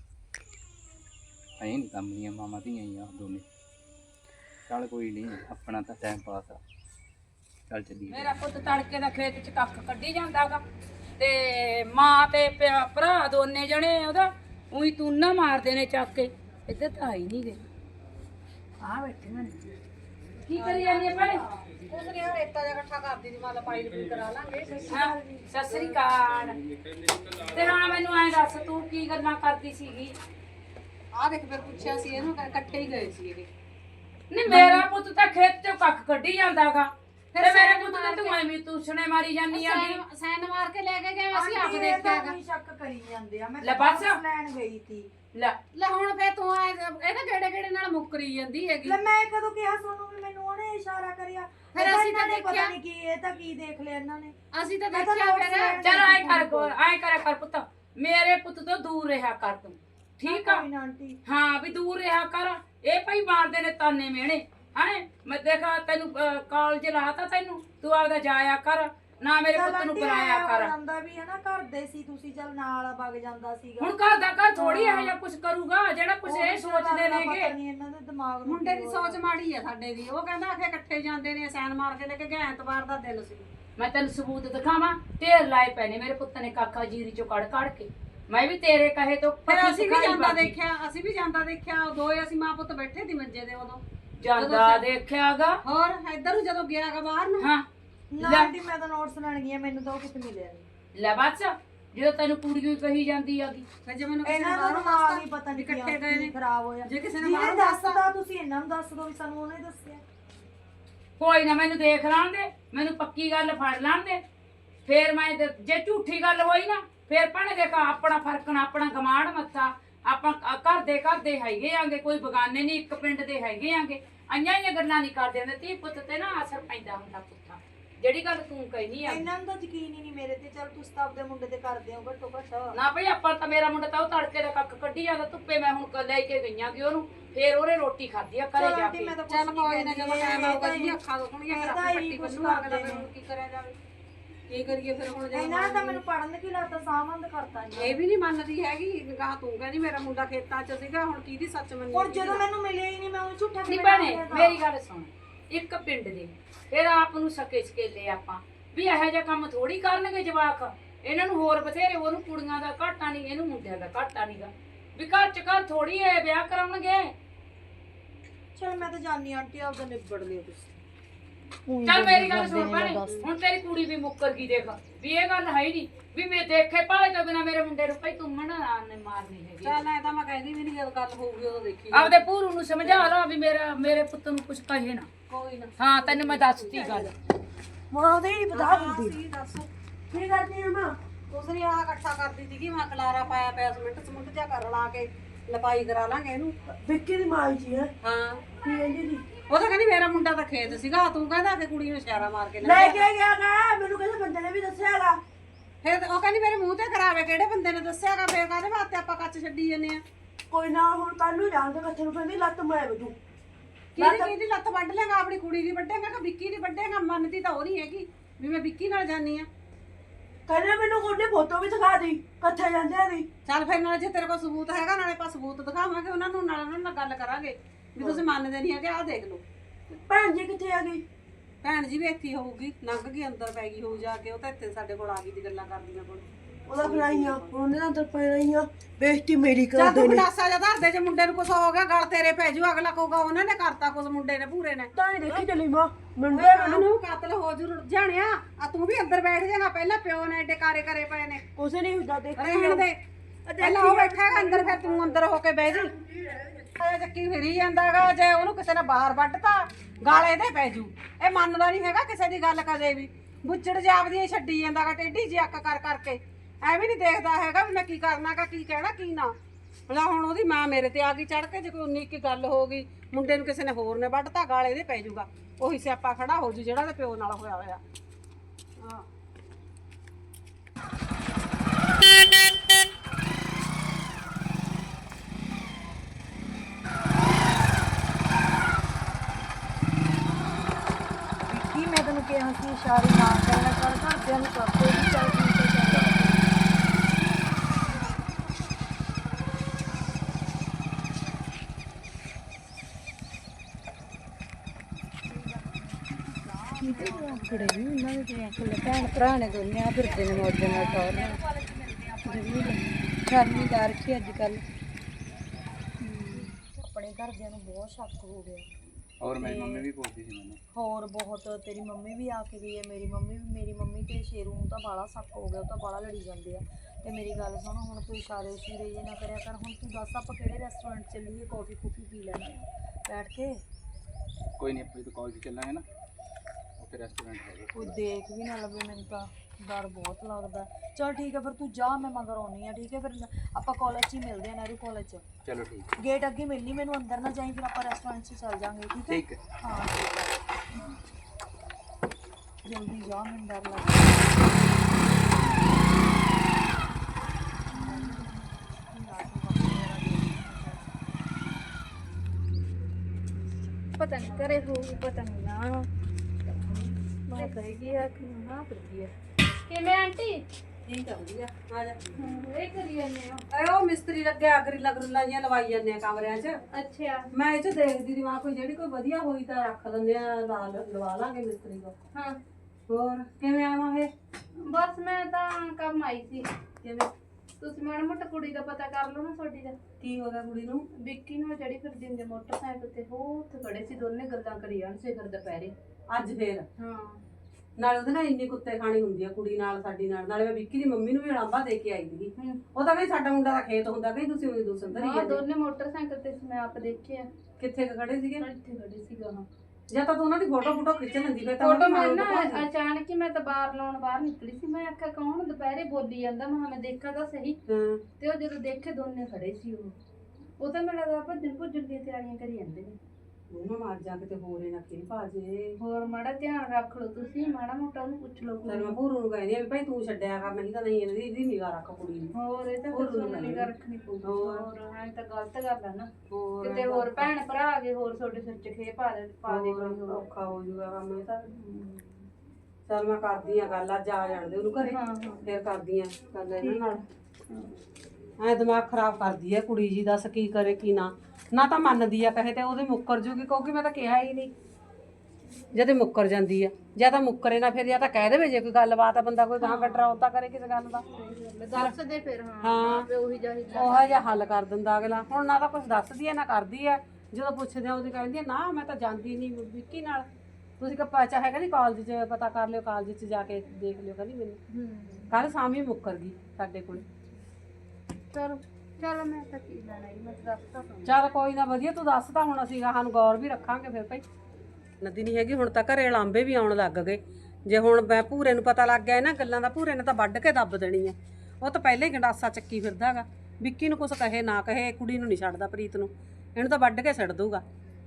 A: ਐਂ ਨਹੀਂ ਕੰਮ ਦੀਆਂ ਮਾਮਾ ਧੀਆਂ ਹੀ ਆ ਦੋਨੇ ਚੱਲ ਕੋਈ ਨਹੀਂ ਆਪਣਾ ਤਾਂ ਟਾਈਮ ਪਾਸ ਆ ਚੱਲ ਚੱਲੀਏ
B: ਮੇਰਾ ਪੁੱਤ ਤੜਕੇ ਦਾ ਖੇਤ ਚ ਕੱਖ ਕੱਢੀ ਜਾਂਦਾਗਾ ਤੇ ਮਾਂ ਤੇ ਭਰਾ ਦੋਨੇ ਜਣੇ ਉਹਦਾ ਉਹੀ ਤੂੰ ਨਾ ਮਾਰਦੇ ਨੇ ਚੱਕ ਕੇ ਇੱਧਰ ਤਾਂ ਆਈ ਨਹੀਂ ਗਏ ਆ ਬੈਠੇ ਨੇ ਕੀ ਕਰੀ ਜਾਂਦੀ ਭਾਈ
C: ਕੁਛ ਨਹੀਂ ਰੇਤਾ ਜਿਹਾ ਇਕੱਠਾ ਕਰਦੀ ਦੀ ਮਾਲਾ ਪਾਈ ਵੀ ਕਰਾ ਲਾਂਗੇ
B: ਸਤਿ ਸ੍ਰੀ ਅਕਾਲ ਤੇ ਹਾਂ ਮੈਨੂੰ ਐਂ ਦੱਸ ਤੂੰ ਕੀ ਗੱਲਾਂ ਕਰਦੀ ਸੀਗੀ
C: ਆਹ ਦੇਖ ਫਿਰ ਪੁੱਛਿਆ ਸੀ ਇਹਨੂੰ ਇਕੱਠੇ ਹੀ ਗਏ ਸੀ ਇਹ
B: ਨਹੀਂ ਮੇਰਾ ਪੁੱਤ ਤਾਂ ਖੇਤ ਚੋਂ ਕੱਖ ਕੱਢੀ ਜਾਂਦਾਗਾ ਤੇ ਮੇਰੇ ਪੁੱਤ ਤੇ ਤੂੰ ਐਵੇਂ ਤੂਸਣੇ ਮਾਰੀ ਜਾਂਦੀ ਆ
C: ਸੈਨ ਮਾਰ ਕੇ ਲੈ ਕੇ ਗਏ ਅਸੀਂ ਆਪ ਦੇਖਿਆਗਾ
D: ਸ਼ੱਕ ਕਰੀ ਜਾਂਦੇ ਆ ਮੈਂ
B: ਲੈ ਬਸ
D: ਲੈਣ ਗਈ ਸੀ
B: ਲੈ
C: ਲੈ ਹੁਣ ਫੇਰ ਤੂੰ ਇਹਦਾ ਗੇੜੇ ਗੇੜੇ ਨਾਲ ਮੁੱਕਰੀ ਜਾਂਦੀ ਹੈਗੀ
D: ਲੈ ਮੈਂ ਕਦੋਂ ਕਿਹਾ ਸੋਨੂੰ ਵੀ ਮੈਨੂੰ ਉਹਨੇ ਇਸ਼ਾਰਾ ਕਰਿਆ
C: ਫਿਰ ਅਸੀਂ ਤਾਂ
D: ਪਤਾ
C: ਦੇਖਿਆ
D: ਨਹੀਂ ਕੀ ਇਹ ਤਾਂ ਕੀ ਦੇਖ ਲਿਆ ਇਹਨਾਂ ਨੇ
C: ਅਸੀਂ ਤਾਂ
D: ਮੈਂ ਤਾਂ
C: ਦੇਖਿਆ
D: notes
C: ਫਿਰ
D: ਲੈਣ
B: ਚੱਲ ਆਏ ਕਰ ਕੋਲ ਆਏ ਕਰਿਆ ਕਰ ਪੁੱਤ ਮੇਰੇ ਪੁੱਤ ਤੋਂ ਦੂਰ ਰਿਹਾ ਕਰ ਤੂੰ ਠੀਕ ਆ
D: ਕੋਈ ਨਾ ਆਂਟੀ
B: ਹਾਂ ਵੀ ਦੂਰ ਰਿਹਾ ਕਰ ਇਹ ਭਾਈ ਮਾਰਦੇ ਨੇ ਤਾਨੇ ਮਿਹਣੇ ਹੈ ਮੈਂ ਦੇਖਾ ਤੈਨੂੰ ਕਾਲਜ ਲਾਤਾ ਤੈਨੂੰ ਤੂੰ ਆਪਦਾ ਜਾਇਆ ਕਰ ਨਾ ਮੇਰੇ ਪੁੱਤ ਨੂੰ ਬੁਲਾਇਆ ਕਰ
D: ਜਾਂਦਾ ਵੀ ਹੈ ਨਾ ਘਰ ਦੇ ਸੀ ਤੁਸੀਂ ਚੱਲ ਨਾਲ ਵਗ ਜਾਂਦਾ ਸੀਗਾ
B: ਹੁਣ ਘਰ ਦਾ ਘਰ ਥੋੜੀ ਇਹੋ ਜਿਹਾ ਕੁਝ ਕਰੂਗਾ ਜਿਹੜਾ ਕੁਝ ਇਹ ਸੋਚਦੇ ਨੇਗੇ
D: ਪਤਾ ਨਹੀਂ ਇਹਨਾਂ ਦੇ ਦਿਮਾਗ ਨੂੰ
C: ਮੁੰਡੇ ਦੀ ਸੋਚ ਮਾੜੀ ਆ ਸਾਡੇ ਦੀ ਉਹ ਕਹਿੰਦਾ ਆਖੇ ਇਕੱਠੇ ਜਾਂਦੇ ਨੇ ਸੈਨ ਮਾਰ ਕੇ ਲੈ ਕੇ ਗਏ ਐਤਵਾਰ ਦਾ ਦਿਨ ਸੀ
B: ਮੈਂ ਤੈਨੂੰ ਸਬੂਤ ਦਿਖਾਵਾਂ ਢੇਰ ਲਾਏ ਪਏ ਨੇ ਮੇਰੇ ਪੁੱਤ ਨੇ ਕਾਕਾ ਜੀਰੀ ਚੋਂ ਕੱਢ ਕੱਢ ਕੇ ਮੈਂ ਵੀ ਤੇਰੇ ਕਹੇ ਤੋਂ
C: ਫਿਰ ਅਸੀਂ ਵੀ ਜਾਂਦਾ ਦੇਖਿਆ ਅਸੀਂ ਵੀ ਜਾਂਦਾ ਦੇਖਿਆ ਦੋਏ ਅਸੀਂ ਮਾਂ ਪੁੱਤ ਬੈਠੇ ਸੀ ਮੰਜੇ ਦੇ ਉਦੋਂ
B: ਜਾਂਦਾ ਦੇਖਿਆਗਾ
C: ਹੋਰ ਇੱਧਰ ਨੂੰ ਜਦੋਂ ਗਿਆਗਾ ਬਾਹਰ ਨੂੰ
B: ਹਾਂ
D: ਨਾ ਆਂਟੀ ਮੈਂ ਤਾਂ ਨੋਟਸ ਲੈਣ ਗਈ ਮੈਨੂੰ ਤਾਂ ਉਹ ਕੁਝ ਮਿਲਿਆ ਨਹੀਂ
B: ਲੈ ਬਸ ਜਦੋਂ ਤੈਨੂੰ ਕੁੜੀ ਹੀ ਕਹੀ ਜਾਂਦੀ ਆਗੀ
C: ਫਿਰ ਜੇ ਮੈਨੂੰ ਕਿਸੇ
D: ਇਹਨਾਂ ਦਾ ਦਿਮਾਗ ਹੀ ਪਤਾ ਨਹੀਂ
C: ਇਕੱਠੇ ਗਏ ਨੇ
D: ਖਰਾਬ ਹੋਇਆ
C: ਜੇ ਕਿਸੇ ਨੇ
D: ਜਿਹਨੇ
C: ਬਾਹਰ
D: ਦੱਸਦਾ ਤੁਸੀਂ ਇਹਨਾਂ ਨੂੰ ਦੱਸ ਦੋ ਵੀ ਸਾਨੂੰ ਉਹਨੇ ਦੱਸਿਆ
B: ਕੋਈ ਨਾ ਮੈਨੂੰ ਦੇਖ ਲੈਣ ਦੇ, ਮੈਨੂੰ ਪੱਕੀ ਗੱਲ ਫੜ ਲੈਣ ਦੇ, ਫੇਰ ਮੈਂ ਤੇ- ਜੇ ਝੂਠੀ ਗੱਲ ਹੋਈ ਨਾ ਫੇਰ ਭੈਣੇ ਦੇਖ ਆਪਣਾ ਫਰਕ ਨਾ ਆਪਣਾ ਗਮਾੜ ਮੱਥਾ ਆਪਾਂ ਅ- ਘਰ ਦੇ ਘਰ ਦੇ ਹੈਗੇ ਆਂਗੇ, ਕੋਈ ਬਗਾਨੇ ਨਹੀਂ, ਇੱਕ ਪਿੰਡ ਦੇ ਹੈਗੇ ਆਂਗੇ। ਅੰਨ੍ਹਾਂ ਹੀ ਗੱਲਾਂ ਨਹੀਂ ਕਰਦੇ ਹੁੰਦੇ, ਧੀ ਪੁੱਤ ਤੇ ਨਾ ਅਸਰ ਪੈਂਦਾ ਹੁੰਦਾ ਪੁੱਤਾਂ, ਜਿਹੜੀ ਗੱਲ ਤੂੰ ਕਹਿਨੀ ਆ।
D: ਇਹਨਾਂ ਨੂੰ ਤਾਂ ਯਕੀਨ ਹੀ ਨਹੀਂ ਮੇਰੇ ਤੇ। ਚੱਲ ਤੁਸੀਂ ਤਾਂ ਆਪਦੇ ਮੁੰਡੇ ਤੇ ਕਰਦੇ ਹੋ ਘੱਟੋ ਘੱਟ।
B: ਨਾ ਭਈ ਆਪਾਂ ਤਾਂ ਮੇਰਾ ਮੁੰਡਾ ਤਾਂ ਉਹ ਤੜਕੇ ਦਾ ਕੱਖ ਕੱਢੀ ਜਾਂਦਾ ਧੁੱਪੇ, ਮੈਂ ਹੁਣ ਕ- ਲੈ ਕੇ ਗਈਆਂ ਕਿ ਉਹਨੂੰ, ਫੇਰ ਉਹਨੇ ਰੋਟੀ ਖਾਧੀ ਆ ਘਰੇ
D: ਚਲ
B: ਜਾ
D: ਆਂਟੀ
B: ਕੇ।
D: ਮੈਂ ਤਾਂ ਕੁਛ
C: ਚੱਲ
D: ਨਹੀਂ
C: ਕੋਈ ਨਾ,
D: ਕਹਿੰਦੀ,
C: ਜਦੋਂ ਟਾਈਮ ਆਊਗਾ
D: ਇਹ
C: ਜੀ ਅੱਖਾਂ ਦੁਖਣਗੀਆਂ ਫਿਰ
D: ਇਹਦਾ
C: ਆਪੇ
D: ਹੀ
C: ਪੱਟੀ
D: ਕੁਛ
C: ਬੰਨੂ, ਅਗਲਾ
D: ਕਰਦੇ
C: ਫਿਰ
D: ਨੇ।
C: ਹੁਣ ਕੀ ਕਰਿਆ ਜਾਵੇ, ਕੀ ਕਰੀਏ ਫਿਰ ਹੁਣ ਜਦੋਂ
D: ਇਹਨਾਂ ਨੇ ਤਾਂ ਮੈਨੂੰ ਪੜਨ ਕੀ ਲਾਤਾ, ਸਾਹਮੰਦ ਕਰਤਾ ਇਹਨਾਂ ਨੇ।
C: ਇਹ ਵੀ ਨਹੀਂ ਮੰਨਦੀ ਹੈਗੀ, ਗਾਹ ਤੂੰ ਕਹਿੰਦੀ ਮੇਰਾ ਮੁੰਡਾ ਖੇਤਾਂ 'ਚ ਸੀਗਾ, ਹੁਣ ਕਿਹਦੀ ਸੱਚ ਮੰਨੀ?
D: ਹੁਣ ਜਦੋਂ ਮੈਨੂੰ ਮਿਲਿਆ ਹੀ ਨਹੀਂ ਮੈਂ ਉਹ ਝੂਠਾ
B: ਨਹੀਂ
D: ਕਿਵੇਂ
B: ਭੈਣੇ
D: ਬੋਲਿਆ ਤਾਂ।
B: ਮੇਰੀ ਗੱਲ ਸੁਣ, ਇੱਕ ਪਿੰਡ ਦੇ ਫਿਰ ਆਪ ਨੂੰ ਸਕੇ ਸਕੇਲੇ ਆਪਾਂ ਵੀ ਇਹੋ ਜਿਹਾ ਕੰਮ ਥੋੜੀ ਕਰਨਗੇ ਜਵਾਕ, ਇਹਨਾਂ ਨੂੰ ਹੋਰ ਬਥੇਰੇ, ਉਹਨੂੰ ਕੁੜੀਆਂ ਦਾ ਘਾਟਾ ਨਹੀਂ, ਇਹਨੂੰ ਮੁੰਡਿਆਂ ਦਾ ਘਾਟਾ ਨਹੀਂਗਾ, ਵੀ ਘਰ ਚ ਘਰ ਥੋੜੀ ਐ ਵਿਆਹ ਕਰਾਉਣਗੇ।
D: ਚਲ ਮੈਂ ਤਾਂ ਜਾਣੀ ਆਂਟੀ, ਆਪਦਾ ਨਿਬੜ ਲਿਓ ਤੁਸੀਂ।
B: ਚੱਲ ਮੇਰੀ ਗੱਲ ਸੁਣ ਭੈਣੇ, ਹੁਣ ਤੇਰੀ ਕੁੜੀ ਵੀ ਮੁੱਕਰ ਗਈ ਦੇਖ, ਵੀ ਇਹ ਗੱਲ ਹੈ ਹੀ ਨਹੀਂ ਵੀ ਮੈਂ ਦੇਖੇ ਭਾਲੇ ਤੋਂ ਬਿਨਾ ਮੇਰੇ ਮੁੰਡੇ ਨੂੰ ਭਾਈ ਤੂੰ ਮਨਾ ਨੇ ਮਾਰਨੀ ਹੈਗੀ।
C: ਚੱਲ ਐ ਤਾਂ ਮੈਂ ਕਹਿੰਦੀ ਵੀ ਨਹੀਂ, ਜਦੋਂ ਗੱਲ ਹੋਊਗੀ ਉਦੋਂ ਦੇਖੀ
B: ਆਪਦੇ ਭੂਰੂ ਨੂੰ ਸਮਝਾ ਲਾ ਵੀ ਮੇਰਾ ਮੇਰੇ ਪੁੱਤ ਨੂੰ ਕੁਝ ਕਹੇ ਨਾ।
C: ਕੋਈ ਨਾ।
B: ਹਾਂ ਤੈਨੂੰ ਮੈਂ ਦੱਸਤੀ ਗੱਲ।
D: ਮਾਂ ਦੇ ਹੀ ਬਤਾ ਦਿੰਦੀ।
C: ਸੀ ਦੱਸ
D: ਕੀ ਕਰਦੀ ਆ ਮਾਂ?
C: ਦੂਸਰੀ ਆ ਇਕੱਠਾ ਕਰਦੀ ਸੀਗੀ, ਮੈਂ ਕਲਾਰਾ ਪਾਇਆ ਪਿਆ ਸਮਿੰਟ ਸਮੁੰਟ ਜਿਹਾ ਕਰ ਲਾ ਕੇ ਲਪਾਈ ਕਰਾ ਲਾਂਗੇ ਇਹਨੂੰ।
D: ਵਿੱਕੀ ਦੀ ਮਾਂ ਜੀ ਹੈ।
C: ਹਾਂ
D: ਕੀ ਕਹਿੰਦੀ ਸੀ?
C: ਉਹ ਤਾਂ ਕਹਿੰਦੀ ਮੇਰਾ ਮੁੰਡਾ ਤਾਂ ਖੇਤ ਸੀਗਾ, ਤੂੰ ਕਹਿੰਦਾ ਕਿ ਕੁੜੀ ਨੂੰ ਇਸ਼ਾਰਾ ਮਾਰ ਕੇ
D: ਲੈ ਕੇ ਗਿਆ ਗਾ, ਮੈਨੂੰ ਕਿਸੇ ਬੰਦੇ ਨੇ ਵੀ ਦੱਸਿਆਗਾ।
C: ਫਿਰ ਉਹ ਕਹਿੰਦੀ ਮੇਰੇ ਮੂੰਹ ਤੇ ਕਰਾਵੇ, ਕਿਹੜੇ ਬੰਦੇ ਨੇ ਦੱਸਿਆਗਾ? ਫਿਰ ਕਾਹਦੇ ਵਾਸਤੇ ਆਪਾਂ ਕੱਚ ਛੱਡੀ ਜੰਨੇ ਆ?
D: ਕੋਈ ਨਾ ਹੁਣ ਕੱਲ ਨੂੰ ਜਾਣਦੇ ਕੱਥੇ ਨੂੰ, ਕਹਿੰਦੀ ਲੱਤ ਮੈਂ ਵਜੂ।
C: ਕਿਹਦੀ ਕਿਹਦੀ ਲੱਤ ਵੱਢ ਲੇਗਾ? ਆਪਣੀ ਕੁੜੀ ਦੀ ਵੱਢੇਗਾ ਕਿ ਵਿੱਕੀ ਦੀ ਵੱਢੇਗਾ? ਮੰਨਦੀ ਤਾਂ ਉਹ ਨਹੀਂ ਹੈਗੀ ਵੀ ਮੈਂ ਵਿੱਕੀ ਨਾਲ ਜਾਨੀ ਆ।
D: ਕਹਿੰਦੇ ਮੈਨੂੰ ਉਹਨੇ ਫੋਟੋ ਵੀ ਦਿਖਾ ਦੀ ਕੱਥੇ ਜਾਂਦੇ ਦੀ।
C: ਚੱਲ ਫਿਰ ਨਾਲੇ ਜੇ ਤੇਰੇ ਕੋਲ ਸਬੂਤ ਹੈਗਾ, ਨਾਲੇ ਆਪਾਂ ਸਬੂਤ ਦਿਖਾਵਾਂਗੇ ਉਹਨਾਂ ਨੂੰ, ਨਾਲੇ ਉਹਨਾਂ ਨਾਲ ਗੱਲ ਕਰਾਂਗੇ ਵੀ ਤੁਸੀਂ ਮੰਨਦੇ ਨਹੀਂ ਹੈਗੇ, ਆਹ ਦੇਖ ਲਓ।
D: ਭੈਣ ਜੀ ਕਿੱਥੇ ਆ ਗਈ?
C: ਭੈਣ ਜੀ ਵੀ ਇੱਥੇ ਹੀ ਹੋਊਗੀ, ਲੰਘ ਗਈ ਅੰਦਰ ਪੈ ਗਈ ਹੋਊ ਜਾ ਕੇ, ਉਹ ਤਾਂ ਇੱਥੇ ਸਾਡੇ ਕੋਲ ਆ ਗਈ ਦੀ ਗੱਲਾਂ ਕਰਦੀਆਂ ਕੋਲ।
D: ਉਹਦਾ ਬਣਾਈਆਂ ਉਹਨੇ ਤਾਂ ਅੰਦਰ ਪੈਣਾਈਆਂ, ਬੇਇੱਜ਼ਤੀ ਮੇਰੀ
C: ਚੱਲ
D: ਕਰਦੇ
C: ਤੂੰ
D: ਨੇ।
C: ਗਲਾਸਾ ਜਾਂ ਧਰਦੇ ਜੇ ਮੁੰਡੇ ਨੂੰ ਕੁਛ ਹੋ ਗਿਆ, ਗਲ ਤੇਰੇ ਪੈ ਜੂ, ਅਗਲਾ ਕਹੂਗਾ ਉਹਨਾਂ ਨੇ ਕਰਤਾ ਕੁਛ, ਮੁੰਡੇ ਨੇ ਭੂਰੇ ਨੇ।
D: ਤਾਂ ਹੀ ਦੇਖੀ ਚੱਲੀ ਮਾਂ ਮੈਨੂੰ
C: ਮੈਨੂੰ ਕਾਤਲ ਹੋ ਜੂ ਜਾਣਿਆ, ਆ ਤੂੰ ਵੀ ਅੰਦਰ ਬੈਠ ਜਾਗਾ, ਪਹਿਲਾਂ ਪਿਓ ਨੇ ਏਡੇ ਕਾਰੇ ਕਰੇ ਪਏ ਨੇ।
D: ਕੁਛ ਨਹੀਂ ਹੁੰਦਾ ਦੇਖ
C: ਰਹਿਣ ਦੇ, ਪਹਿਲਾਂ ਉਹ ਬੈਠਾ ਹੈਗਾ ਅੰਦਰ, ਫਿਰ ਤੂੰ ਅੰਦਰ ਹੋ ਕੇ ਬਹਿ ਜੀ। ਇਹ ਚੱਕੀ ਫਿਰੀ ਜਾਂਦਾਗਾ, ਜੇ ਉਹਨੂੰ ਕਿਸੇ ਨੇ ਬਾਹਰ ਵੱਢਤਾ ਗਾਲੇ ਦੇ ਪੈ ਜੂ। ਇਹ ਮੰਨਦਾ ਨਹੀਂ ਹੈਗਾ ਕਿਸੇ ਦੀ ਗੱਲ ਕਦੇ ਵੀ, ਬੁੱਚੜ ਜਾਪਦੀ ਹੀ ਛੱਡੀ ਜਾਂਦਾਗਾ ਟੇਢੀ ਜਿਹੀ ਅੱਖ ਕਰ ਕਰਕੇ, ਐਵੇਂ ਨਹੀਂ ਦੇਖਦਾ ਹੈਗਾ ਵੀ ਮੈਂ ਕੀ ਕਰਨਾਗਾ, ਕੀ ਕਹਿਣਾ ਕੀ ਨਾ। ਭਲਾ ਹੁਣ ਉਹਦੀ ਮਾਂ ਮੇਰੇ ਤੇ ਆ ਗਈ ਚੜ ਕੇ, ਜੇ ਕੋਈ ਉਨੀ ਕੀ ਗੱਲ ਹੋ ਗਈ, ਮੁੰਡੇ ਨੂੰ ਕਿਸੇ ਨੇ ਹੋਰ ਨੇ ਵੱਢਤਾ, ਗਾਲੇ ਦੇ ਪੈ ਜੂਗਾ, ਉਹੀ ਸਿਆਪਾ ਖੜਾ ਹੋ ਜੂ ਜਿਹੜਾ ਤੇ ਪਿਓ ਨਾਲ ਹੋਇਆ ਹੋਇਆ। ਹਾਂ
D: ਕੀ ਮੈਂ ਤੈਨੂੰ ਕਿਹਾ ਸੀ ਇਸ਼ਾਰੇ ਨਾ ਕਰਨਾ ਕਰ, ਘਰਦਿਆਂ ਨੂੰ ਕਰਦੇ ਵੀ ਚੱਲ ਠੀਕ ਹੈ ਚੱਲ।
B: ਖੜੇ ਵੀ ਉਹਨਾਂ ਦੇ ਤੇ ਅਕਲ ਭੈਣ ਭਰਾ ਨੇ ਦੋਨੇ ਆ ਫਿਰਦੇ ਨੇ ਮੋਢੇ ਨਾਲ ਟੋਰ ਸ਼ਰਮੀਦਾਰ ਕੀ ਅੱਜ ਕੱਲ।
D: ਆਪਣੇ ਘਰਦਿਆਂ ਨੂੰ ਬਹੁਤ ਸ਼ੱਕ ਹੋ ਗਿਆ।
A: ਔਰ ਮੇਰੀ ਮੰਮੀ ਵੀ ਪੁੱਛਦੀ ਸੀ ਮੈਨੂੰ।
D: ਹੋਰ ਬਹੁਤ, ਤੇਰੀ ਮੰਮੀ ਵੀ ਆ ਕੇ ਗਈ ਹੈ, ਮੇਰੀ ਮੰਮੀ ਵੀ, ਮੇਰੀ ਮੰਮੀ ਤੇ ਸ਼ੇਰੂ ਨੂੰ ਤਾਂ ਬਾਲਾ ਸ਼ੱਕ ਹੋ ਗਿਆ, ਉਹ ਤਾਂ ਬਾਲਾ ਲੜੀ ਜਾਂਦੇ ਆ। ਤੇ ਮੇਰੀ ਗੱਲ ਸੁਣ, ਹੁਣ ਤੂੰ ਇਸ਼ਾਰੇ ਉਸ਼ੀਰੇ ਜੇ ਨਾ ਕਰਿਆ ਕਰ। ਹੁਣ ਤੂੰ ਦੱਸ ਆਪਾਂ ਕਿਹੜੇ ਰੈਸਟੋਰੈਂਟ ਚੱਲੀਏ, ਕੌਫੀ ਕੂਫੀ ਪੀ ਲੈਂਦੇ ਆ ਬੈਠ ਕੇ।
A: ਕੋਈ ਨਹੀਂ, ਆਪਾਂ ਜਦੋਂ ਕਾਲਜ ਚੱਲਾਂਗੇ ਨਾ ਉੱਥੇ ਰੈਸਟੋਰੈਂਟ ਹੈਗੇ।
D: ਕੋਈ ਦੇਖ ਵੀ ਨਾ ਲਵੇ, ਮੈਨੂੰ ਤਾਂ ਡਰ ਬਹੁਤ ਲੱਗਦਾ। ਚਲ ਠੀਕ ਹੈ ਫਿਰ ਤੂੰ ਜਾ, ਮੈਂ ਮਗਰ ਆਉਣੀ ਆ। ਠੀਕ ਹੈ ਫਿਰ ਆਪਾਂ ਕਾਲਜ 'ਚ ਹੀ ਮਿਲਦੇ ਆ, ਨਹਿਰੂ ਕਾਲਜ 'ਚ।
A: ਚਲੋ ਠੀਕ
D: ਗੇਟ ਅੱਗੇ ਮਿਲਣੀ, ਮੈਨੂੰ ਅੰਦਰ ਨਾ ਜਾਈਂ, ਫਿਰ ਆਪਾਂ ਰੈਸਟੋਰੈਂਟ 'ਚ ਚੱਲ ਜਾਾਂਗੇ। ਠੀਕ ਹੈ
A: ਠੀਕ ਹੈ।
D: ਹਾਂ ਜਲਦੀ ਜਾ, ਮੈਨੂੰ ਡਰ ਲੱਗਦਾ।
E: ਪਤਾ ਨਹੀਂ ਕਰੇ ਹੋ, ਪਤਾ ਨਹੀਂ ਨਾ ਮੈਂ ਕਹੇਗੀ ਆ ਕਿ ਨਾ ਕਰਦੀ ਹੈ। ਕਿਵੇਂ ਆਂਟੀ?
C: ਠੀਕ ਆ, ਵਧੀਆ ਆ ਜਾ।
E: ਇਹ ਕਰੀ ਜਾਂਦੇ ਹੋ?
C: ਇਹ ਉਹ ਮਿਸਤਰੀ ਲੱਗਿਆ, ਗਰਿੱਲਾਂ ਗਰੁੱਲਾਂ ਜਿਹੀਆਂ ਲਵਾਈ ਜਾਂਦੇ ਆ ਕਮਰਿਆਂ 'ਚ।
E: ਅੱਛਾ
C: ਮੈਂ ਇਹ 'ਚ ਦੇਖਦੀ ਦੀ ਮਾਂ, ਕੋਈ ਜਿਹੜੀ ਕੋਈ ਵਧੀਆ ਹੋਈ ਤਾਂ ਰੱਖ ਦਿੰਦੇ ਆ, ਲਾ ਲਵਾ ਲਾਂਗੇ ਮਿਸਤਰੀ ਕੋਲ।
E: ਹਾਂ,
C: ਹੋਰ ਕਿਵੇਂ ਆਵਾਂਗੇ?
E: ਬਸ ਮੈਂ ਤਾਂ ਕੰਮ ਆਈ ਸੀ।
C: ਕਿਵੇਂ?
E: ਤੁਸੀਂ ਮਾੜਾ ਮੋਟਾ ਕੁੜੀ ਦਾ ਪਤਾ ਕਰ ਲਓ ਨਾ, ਤੁਹਾਡੀ ਦਾ।
C: ਕੀ ਹੋ ਗਿਆ ਕੁੜੀ ਨੂੰ?
E: ਵਿੱਕੀ ਨੂੰ ਜਿਹੜੀ ਫਿਰਦੀ ਹੁੰਦੀ ਮੋਟਰਸਾਈਕਲ ਤੇ, ਉਹ ਉੱਥੇ ਖੜੇ ਸੀ, ਦੋਨੇ ਗੱਲਾਂ ਕਰੀ ਜਾਣ ਸਿਖਰ ਦੁਪਹਿਰੇ।
C: ਅੱਜ ਫੇਰ
E: ਹਾਂ
C: ਨਾਲੇ ਉਹਦੇ ਨਾਲ ਇੰਨੀ ਕੁੱਤੇ ਖਾਣੀ ਹੁੰਦੀ ਆ ਕੁੜੀ ਨਾਲ, ਸਾਡੀ ਨਾਲ। ਨਾਲੇ ਮੈਂ ਵਿੱਕੀ ਦੀ ਮੰਮੀ ਨੂੰ ਵੀ ਲਾਂਭਾ ਦੇ ਕੇ ਆਈ ਸੀਗੀ। ਉਹ ਤਾਂ ਕਹਿੰਦੀ ਸਾਡਾ ਮੁੰਡਾ ਦਾ ਖੇਤ ਹੁੰਦਾ, ਕਹਿੰਦੀ ਤੁਸੀਂ ਉਹਦੀ ਦੂਸਰ ਧਰੀ
E: ਹਾਂ,
C: ਜਾਂਦੇ।
E: ਦੋਨੇ ਮੋਟਰਸਾਈਕਲ ਤੇ ਸੀ, ਮੈਂ ਆਪ ਦੇਖਿਆ।
C: ਕਿੱਥੇ ਕੁ ਖੜੇ ਸੀਗੇ?
E: ਇੱਥੇ ਖੜੇ ਸੀਗਾ। ਹਾਂ
C: ਜਾਂ ਤਾਂ ਤੂੰ ਉਹਨਾਂ ਦੀ ਫੋਟੋ ਫੋਟੋ ਖਿੱਚ ਲੈਂਦੀ ਫਿਰ ਤਾਂ
E: ਫੋਟੋ ਮੈਂ ਨਾ ਅਚਾਨਕ ਹੀ ਮੈਂ ਤਾਂ ਬਾਹਰ ਲਾਉਣ ਬਾਹਰ ਨਿਕਲੀ ਸੀ। ਮੈਂ ਆਖਿਆ ਕੌਣ ਦੁਪਹਿਰੇ ਬੋਲੀ ਜਾਂਦਾ, ਮੈਂ ਕਿਹਾ ਮੈਂ ਦੇਖਾਂ ਤਾਂ ਸਹੀ।
C: ਹਾਂ
E: ਤੇ ਉਹ ਜਦੋਂ ਦੇਖੇ ਦੋਨੇ ਖੜੇ ਸੀ, ਉਹ ਉਹ ਤਾਂ ਮੈਨੂੰ ਲੱਗਦਾ ਭੱਜਣ ਭੁੱਜਣ ਦੀਆਂ ਤਿਆਰੀਆਂ ਕਰੀ ਜਾਂਦੇ ਨੇ।
C: ਉਹਨੂੰ ਮਾਰ ਜਾ ਕਿਤੇ ਹੋਰ ਹੀ ਨਾ ਖੇਲ ਭਾਜੇ।
E: ਹੋਰ ਮਾੜਾ ਧਿਆਨ ਰੱਖ ਲਓ ਤੁਸੀਂ, ਮਾੜਾ ਮੋਟਾ ਉਹਨੂੰ ਪੁੱਛ ਲਓ
C: ਫਿਰ ਮੈਂ ਭੂਰੂ ਨੂੰ ਕਹਿੰਦੀ ਆ ਵੀ ਭਾਈ ਤੂੰ ਛੱਡਿਆ ਕਰ, ਨਹੀਂ ਤਾਂ ਨਹੀਂ ਇਹਦੀ ਇਹਦੀ ਨਿਗਾਹ ਰੱਖ ਕੁੜੀ ਨੂੰ।
E: ਹੋਰ ਇਹ ਤਾਂ
C: ਹੋਰ
E: ਫਿਰ
C: ਨੂੰ
E: ਤੁਹਾਨੂੰ ਨਿਗਾਹ ਰੱਖਣੀ ਪਊਗੀ।
C: ਹੋਰ।
E: ਹੋਰ ਐਂ ਤਾਂ ਗਲਤ ਗੱਲ ਆ ਨਾ,
C: ਹੋਰ
E: ਕਿਤੇ ਹੋਰ ਭੈਣ ਭਰਾ ਆ ਗਏ ਹੋਰ ਤੁਹਾਡੇ ਸਿਰ 'ਚ ਖੇ ਪਾ ਦੇ ਪਾ ਦੇ ਕੋਈ ਹੋਰ।
C: ਔਖਾ ਹੋ ਜੂਗਾ ਕੰਮ ਇਹ ਤਾਂ। ਚੱਲ ਮੈਂ ਕਰਦੀ ਆ ਗੱਲ, ਅੱਜ ਆ ਜਾਣ ਦੇ ਉਹਨੂੰ ਘਰੇ,
E: ਹਾਂ ਹਾਂ
C: ਫਿਰ ਕਰਦੀ ਆ ਗੱਲ ਇਹਨਾਂ ਨਾਲ। ਐ ਦਿਮਾਗ ਖਰਾਬ ਕਰਦੀ ਆ ਕੁੜੀ ਜੀ, ਦੱਸ ਕੀ ਕਰੇ ਕੀ ਨਾ। ਨਾ ਤਾਂ ਮੰਨਦੀ ਆ ਕਹੇ ਤੇ ਉਹਦੇ ਮੁੱਕਰ ਜੂਗੀ, ਕਿਉਂਕਿ ਮੈਂ ਤਾਂ ਕਿਹਾ ਹੀ ਨਹੀਂ। ਜਦ ਮੁੱਕਰ ਜਾਂਦੀ ਆ, ਜਾਂ ਤਾਂ ਮੁੱਕਰੇ ਨਾ ਫਿਰ, ਜਾਂ ਤਾਂ ਕਹਿ ਦੇਵੇ ਜੇ ਕੋਈ ਗੱਲਬਾਤ ਆ, ਬੰਦਾ ਕੋਈ ਗਾਂ ਕੱਟਰਾ ਉਤਾ ਕਰੇ ਕਿਸੇ ਗੱਲ ਦਾ।
E: ਦੱਸ ਦੇ ਫਿਰ। ਹਾਂ
C: ਹਾਂ
E: ਆਪੇ ਉਹੀ ਜਾਹੀ
C: ਉਹੋ ਜਿਹਾ ਹੱਲ ਕਰ ਦਿੰਦਾ ਅਗਲਾ। ਹੁਣ ਨਾ ਤਾਂ ਕੁਝ ਦੱਸਦੀ ਆ ਨਾ ਕਰਦੀ ਆ, ਜਦੋਂ ਪੁੱਛਦੇ ਆ ਉਹਦੀ ਕਹਿੰਦੀ ਆ ਨਾ ਮੈਂ ਤਾਂ ਜਾਂਦੀ ਨਹੀਂ ਵਿੱਕੀ ਨਾਲ। ਤੁਸੀਂ ਕੱਪਾ ਚਾਹੇ ਕਹਿੰਦੀ ਕਾਲਜ 'ਚ ਪਤਾ ਕਰ ਲਿਓ, ਕਾਲਜ 'ਚ ਜਾ ਕੇ ਦੇਖ ਲਿਓ ਕਹਿੰਦੀ ਮੈਨੂੰ।
E: ਹੂੰ
C: ਕੱਲ ਸ਼ਾਮੀ ਮੁੱਕਰ ਗਈ ਸਾਡੇ ਕੋਲ।
E: ਚਲੋ ਚਲੋ ਮੈਂ ਤਾਂ ਕੀ ਲੈਣਾ ਜੀ, ਮੈਂ ਤਾਂ ਦੱਸਤਾ ਤੁਹਾਨੂੰ।
C: ਚੱਲ ਕੋਈ ਨਾ, ਵਧੀਆ ਤੂੰ ਦੱਸ ਤਾਂ ਹੁਣ, ਅਸੀਂ ਸਾਨੂੰ ਗੌਰ ਵੀ ਰੱਖਾਂਗੇ ਫਿਰ ਭਾਈ। ਨਦੀ ਨਹੀਂ ਹੈਗੀ ਹੁਣ ਤਾਂ ਘਰੇ ਲਾਂਬੇ ਵੀ ਆਉਣ ਲੱਗ ਗਏ। ਜੇ ਹੁਣ ਮੈਂ ਭੂਰੇ ਨੂੰ ਪਤਾ ਲੱਗ ਗਿਆ ਇਹਨਾਂ ਗੱਲਾਂ ਦਾ, ਭੂਰੇ ਨੇ ਤਾਂ ਵੱਢ ਕੇ ਦੱਬ ਦੇਣੀ ਆ। ਉਹ ਤਾਂ ਪਹਿਲਾਂ ਹੀ ਗੰਡਾਸਾ ਚੱਕੀ ਫਿਰਦਾਗਾ। ਵਿੱਕੀ ਨੂੰ ਕੁਛ ਕਹੇ ਨਾ ਕਹੇ, ਕੁੜੀ ਨੂੰ ਨਹੀਂ ਛੱਡਦਾ ਪ੍ਰੀਤ ਨੂੰ, ਇਹਨੂੰ ਤਾਂ ਵੱਢ ਕੇ ਛੱਡ ਦੂਗਾ।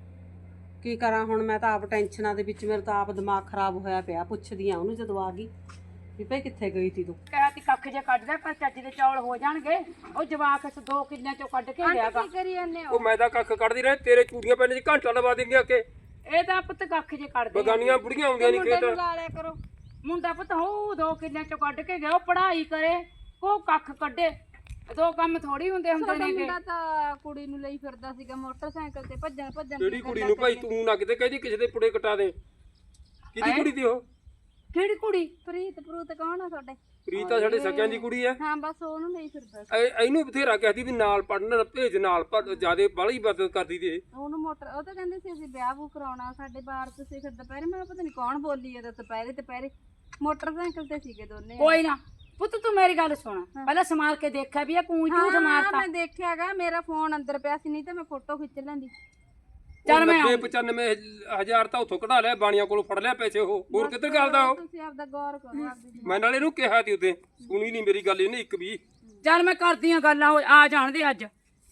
C: ਕੀ ਕਰਾਂ ਹੁਣ, ਮੈਂ ਤਾਂ ਆਪ ਟੈਨਸ਼ਨਾਂ ਦੇ ਵਿੱਚ, ਮੇਰੇ ਤਾਂ ਆਪ ਦਿਮਾਗ ਖਰਾਬ ਹੋਇਆ ਪਿਆ। ਪੁੱਛਦੀ ਆ ਉਹਨੂੰ ਜਦੋਂ ਆ ਗਈ ਵੀ ਭਾਈ ਕਿੱਥੇ ਗਈ ਤੀ ਤੂੰ।
B: ਕਹਿਆ ਕਿ ਕੱਖ ਜੇ ਕੱਢ ਦੇ ਪਰ ਚੱਜ ਦੇ ਚੌਲ ਹੋ ਜਾਣਗੇ। ਉਹ ਜਵਾਕ ਇਸ ਦੋ ਕਿੱਲਿਆਂ ਚੋਂ ਕੱਢ ਕੇ ਲਿਆਗਾ।
E: ਕੀ ਕਰੀ ਜਾਂਦੇ ਹੋ?
F: ਉਹ ਮੈਂ ਤਾਂ ਕੱਖ ਕੱਢਦੀ ਰਹੇ, ਤੇਰੇ ਚੂੜੀਆਂ ਪੈਣੇ ਚ ਘੰਟਾ ਲਵਾ ਦੇਂਗੇ ਆ ਕੇ।
B: ਇਹ ਤਾਂ ਪੁੱਤ ਕੱਖ ਜੇ ਕੱਢਦੇ ਆ।
F: ਬਗਾਨੀਆਂ ਬੁੜੀਆਂ ਆਉਂਦੀਆਂ ਨਹੀਂ ਖੇਤ।
E: ਲਾ ਲਿਆ ਕਰੋ।
B: ਮੁੰਡਾ ਪੁੱਤ ਹੋ ਦੋ ਕਿੱਲਿਆਂ ਚੋਂ ਕੱਢ ਕੇ ਗਿਆ, ਉਹ ਪੜ੍ਹਾਈ ਕਰੇ ਕੋ ਕੱਖ ਕੱਢੇ। ਦੋ ਕੰਮ ਥੋੜੀ ਹੁੰਦੇ ਹੁੰਦੇ
E: ਤੁਹਾਡਾ
B: ਨੇ
E: ਮੁੰਡਾ ਤਾਂ ਕੁੜੀ ਨੂੰ ਲਈ ਫਿਰਦਾ ਸੀਗਾ ਮੋਟਰਸਾਈਕਲ ਤੇ, ਭੱਜਣ ਭੱਜਣ
F: ਜਿਹੜੀ ਕੁੜੀ ਨੂੰ ਭਾਈ ਤੂੰ ਨਾ ਕਿਤੇ ਕਹਿੰਦੀ ਕਿਸੇ ਦੇ ਪੁੜੇ ਕਟਾ ਦੇ। ਕਿਹਦੀ ਕੁੜੀ ਦੀ ਉਹ?
B: ਕਿਹੜੀ ਕੁੜੀ?
E: ਪ੍ਰੀਤ ਪ੍ਰੂਤ ਕੌਣ ਆ ਤੁਹਾਡੇ?
F: ਪ੍ਰੀਤਾ ਸਾਡੇ ਸਕਿਆਂ ਦੀ ਕੁੜੀ ਐ।
E: ਹਾਂ ਬਸ ਉਹਨੂੰ ਲਈ ਫਿਰਦਾ ਸੀ।
F: ਐ- ਇਹਨੂੰ ਬਥੇਰਾ ਕਹਦੀ ਵੀ ਨਾਲ ਪੜਨ ਭੇਜ, ਨਾਲ ਪਰ ਜਿਆਦੇ ਬਾਹਲੀ ਮਦਦ ਕਰਦੀ ਤੇ।
E: ਉਹਨੂੰ ਮੋਟਰ ਉਹ ਤਾਂ ਕਹਿੰਦੇ ਸੀ ਅਸੀਂ ਵਿਆਹ ਵੂ ਕਰਾਉਣਾ ਸਾਡੇ ਬਾਹਰ, ਤੁਸੀਂ ਫਿਰ ਦੁਪਹਿਰੇ, ਮੈਂ ਪਤਾ ਨਹੀਂ ਕੌਣ ਬੋਲੀ ਇਹਦਾ ਦੁਪਹਿਰੇ ਦੁਪਹਿਰੇ ਮੋਟਰਸਾਈਕਲ ਤੇ ਸੀਗੇ ਦੋਨੇ।
B: ਕੋਈ ਨਾ ਪੁੱਤ ਤੂੰ ਮੇਰੀ ਗੱਲ ਸੁਣ, ਪਹਿਲਾਂ ਸਮਾਰ ਕੇ ਦੇਖਿਆ ਵੀ ਇਹ ਕੂੰ ਝੂਠ
E: ਹਾਂ
B: ਮਾਰਤਾ।
E: ਮੈਂ ਦੇਖਿਆਗਾ, ਮੇਰਾ ਫੋਨ ਅੰਦਰ ਪਿਆ ਸੀ, ਨਹੀਂ ਤਾਂ ਮੈਂ ਫੋਟੋ ਖਿੱਚ ਲੈਂਦੀ।
B: ਚੱਲ ਮੈਂ
F: ਨੱਬੇ ਪਚਾਨਵੇਂ ਹਜ਼ਾਰ ਤਾਂ ਉੱਥੋਂ ਕਢਾ ਲਿਆ, ਬਾਣੀਆਂ ਕੋਲੋਂ ਫੜ ਲਿਆ ਪੈਸੇ। ਉਹ ਹੋਰ ਕਿੱਧਰ ਕਰਦਾ ਉਹ?
E: ਤੁਸੀਂ ਆਪਦਾ ਗੌਰ ਕਰੋ ਆਪਦੀ।
F: ਮੈਂ ਨਾਲ ਇਹਨੂੰ ਕਿਹਾ ਤੀ ਉਦੋਂ, ਸੁਣੀ ਨਹੀਂ ਮੇਰੀ ਗੱਲ ਇਹਨੇ ਇੱਕ ਵੀ।
B: ਚੱਲ ਮੈਂ ਕਰਦੀ ਆ ਗੱਲਾਂ, ਉਹ ਆ ਜਾਣਦੇ ਅੱਜ।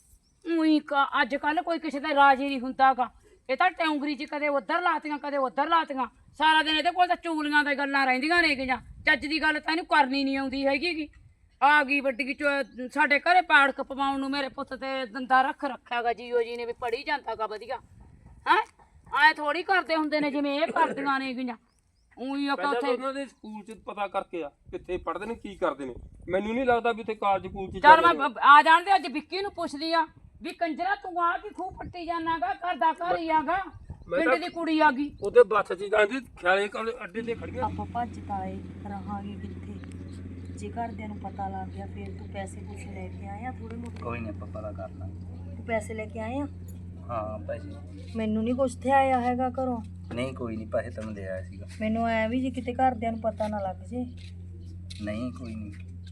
B: ਉਹੀ ਅੱਜ ਕੱਲ ਕੋਈ ਕਿਸੇ ਦਾ ਰਾਜੀ ਨਹੀਂ ਹੁੰਦਾਗਾ। ਇਹ ਤਾਂ ਟੌਂਗਰੀ 'ਚ ਕਦੇ ਉੱਧਰ ਲਾਤੀਆਂ ਕਦੇ ਉੱਧਰ ਲਾਤੀਆਂ, ਸਾਰਾ ਦਿਨ ਇਹਦੇ ਕੋਲ ਤਾਂ ਚੂਲੀਆਂ ਦੀਆਂ ਗੱਲਾਂ ਰਹਿੰਦੀਆਂ ਨੇ ਗੀਆਂ। ਚੱਜ ਦੀ ਗੱਲ ਤਾਂ ਇਹਨੂੰ ਕਰਨੀ ਨਹੀਂ ਆਉਂਦੀ ਹੈਗੀ ਗੀ। ਆ ਗਈ ਵੱਡੀ ਚੋ- ਸਾਡੇ ਘਰੇ ਪਾੜਕ ਪਵਾਉਣ ਨੂੰ ਮੇਰੇ ਪੁੱਤ ਤੇ ਦੰਦਾ ਰੱਖ ਰੱਖਿਆਗਾ ਜੀਓ ਜੀ ਨੇ ਵੀ ਪੜੀ ਜਾਂਦਾਗਾ ਵਧੀਆ। ਹੈ ਐ ਥੋੜੀ ਕਰਦੇ ਹੁੰਦੇ ਨੇ ਜਿਵੇਂ ਇਹ ਕਰਦੀਆਂ ਨੇ ਗੀਆਂ। ਉਹੀ ਆਪਾਂ
F: ਪਹਿਲਾਂ ਤਾਂ
B: ਉੱਥੇ
F: ਉਹਨਾਂ ਦੇ ਸਕੂਲ 'ਚ ਪਤਾ ਕਰਕੇ ਆ ਕਿੱਥੇ ਪੜ੍ਹਦੇ ਨੇ, ਕੀ ਕਰਦੇ ਨੇ। ਮੈਨੂੰ ਨਹੀਂ ਲੱਗਦਾ ਵੀ ਉੱਥੇ ਕਾਲਜ ਸਕੂਲ 'ਚ
B: ਚੱਲ
F: ਜਾਂਦੇ
B: ਮੈਂ
F: ਨੇ।
B: ਬ- ਆ ਜਾਣਦੇ ਅੱਜ ਵਿੱਕੀ ਨੂੰ ਪੁੱਛਦੀ ਆ ਵੀ ਕੰਜਰਾ ਤੂੰ ਆ ਕੀ ਖੂਹ ਪੱਟੀ ਜਾਣਾਗਾ, ਘਰ ਦਾ ਘਰ ਹੀ ਆਗਾ, ਪਿੰਡ ਦੀ ਕੁੜੀ ਆ ਗਈ।
F: ਉਹਦੇ ਬੱਸ 'ਚ ਜਾਂਦੀ, ਖਿਆਲੇ ਕੋਲ ਅੱਡੇ ਤੇ ਖੜੀਆਂ।
D: ਆਪਾਂ ਭੱਜ ਤਾਏ ਰਹਾਂਗੇ ਕਿੱਥੇ? ਜੇ ਘਰਦਿਆਂ ਨੂੰ ਪਤਾ ਲੱਗ ਗਿਆ ਫਿਰ ਤੂੰ ਪੈਸੇ ਪੂਸੇ ਲੈ ਕੇ ਆਇਆ ਥੋੜੇ ਮੋਟੇ?
A: ਕੋਈ ਨਹੀਂ ਆਪਾਂ ਪਤਾ ਕਰ ਲਾਂਗੇ।
D: ਤੂੰ ਪੈਸੇ ਲੈ ਕੇ ਆਇਆ?
A: ਹਾਂ ਪੈਸੇ
D: ਮੈਨੂੰ ਨਹੀਂ ਕੁਛ ਤੇ ਆਇਆ ਹੈਗਾ ਘਰੋਂ।
A: ਨਹੀਂ, ਕੋਈ ਨਹੀਂ, ਪੈਸੇ ਤੈਨੂੰ ਦੇ ਆਇਆ ਸੀਗਾ।
D: ਮੈਨੂੰ ਐ ਵੀ ਜੇ ਕਿਤੇ ਘਰਦਿਆਂ ਨੂੰ ਪਤਾ ਨਾ ਲੱਗ ਜੇ।
A: ਨਹੀਂ ਕੋਈ ਨਹੀਂ,